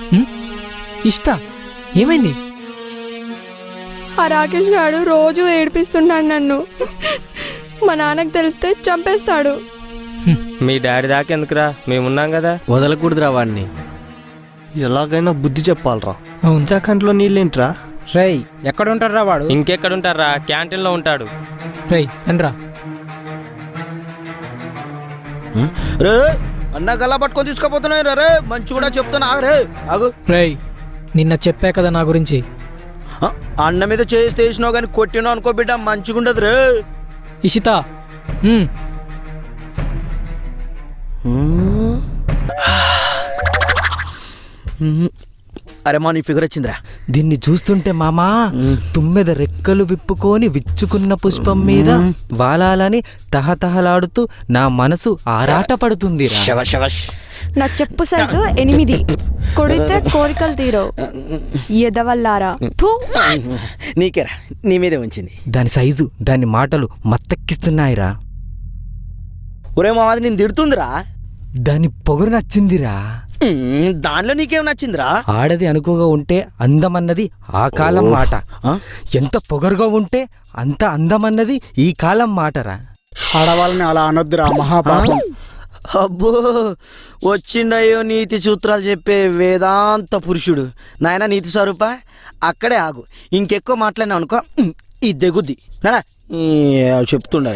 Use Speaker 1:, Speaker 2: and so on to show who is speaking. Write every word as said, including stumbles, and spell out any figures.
Speaker 1: ఇష్టా ఏమైంది?
Speaker 2: ఆ రాకేష్ గారు రోజు ఏడిపిస్తున్నాడు నన్ను. మా నాన్నకు తెలిస్తే చంపేస్తాడు.
Speaker 3: మీ డాడీ దాకా ఎందుకురా, మేమున్నాం కదా.
Speaker 4: వదలకూడదురా వాడిని.
Speaker 5: ఎలాగైనా బుద్ధి చెప్పాలరా.
Speaker 1: అవును.
Speaker 5: కంట్లో నీళ్ళేంట్రా?
Speaker 6: రేయ్ ఎక్కడ ఉంటారా వాడు?
Speaker 3: ఇంకెక్కడుంటారా, క్యాంటీన్ లో ఉంటాడు.
Speaker 1: రేయ్ ఎండ్రా.
Speaker 4: రే అన్న గల్లా పట్టుకొని తీసుకుపోతున్నాయి రే. మంచి కూడా చెప్తున్నా రే. ఆగు.
Speaker 1: రేయ్ నిన్న చెప్పా కదా నా గురించి.
Speaker 4: ఆ, అన్న మీద చేసి తీసినావు కానీ కొట్టినావు అనుకో బిడ్డ, మంచిగుండదు రే.
Speaker 1: ఇషిత ఉమ్,
Speaker 4: అరే మా నీ ఫిగర్ వచ్చిందిరా.
Speaker 6: దీన్ని చూస్తుంటే మామా తుమ్మెద రెక్కలు విప్పుకొని విచ్చుకున్న పుష్పం మీద వాలాలని తహతహలాడుతూ నా మనసు ఆరాట పడుతుంది.
Speaker 4: శవశ్ శవశ్.
Speaker 2: నా చెప్పు సైజు ఎనిమిది. కొడితే కోరికలు తీరవు ఎదవల్లారా. థూ.
Speaker 4: నీకేరా, నీ మీదే ఉంచింది.
Speaker 6: దాని సైజు దాని మాటలు మత్తెక్కిస్తున్నాయిరా.
Speaker 4: ఒరే మాది నేను తిడుతుందిరా.
Speaker 6: దాని పొగరు నచ్చిందిరా.
Speaker 4: ఉమ్, దానిలో నీకేం నచ్చిందిరా?
Speaker 6: ఆడది అనుకోగా ఉంటే అందమన్నది ఆ కాలం మాట.
Speaker 4: ఆ?
Speaker 6: ఎంత పొగరుగా ఉంటే అంత అందమన్నది ఈ కాలం మాటరా.
Speaker 7: ఆడవాళ్ళని అలా అనొద్దురా, మహాపాపం.
Speaker 4: అబ్బో వచ్చిండయ్యో నీతి సూత్రాలు చెప్పే వేదాంత పురుషుడు. నాయన నీతి స్వరూప అక్కడే ఆగు. ఇంకెక్కువ మాట్లాడినా అనుకో ఈ దెగుద్ది. చెప్తుండ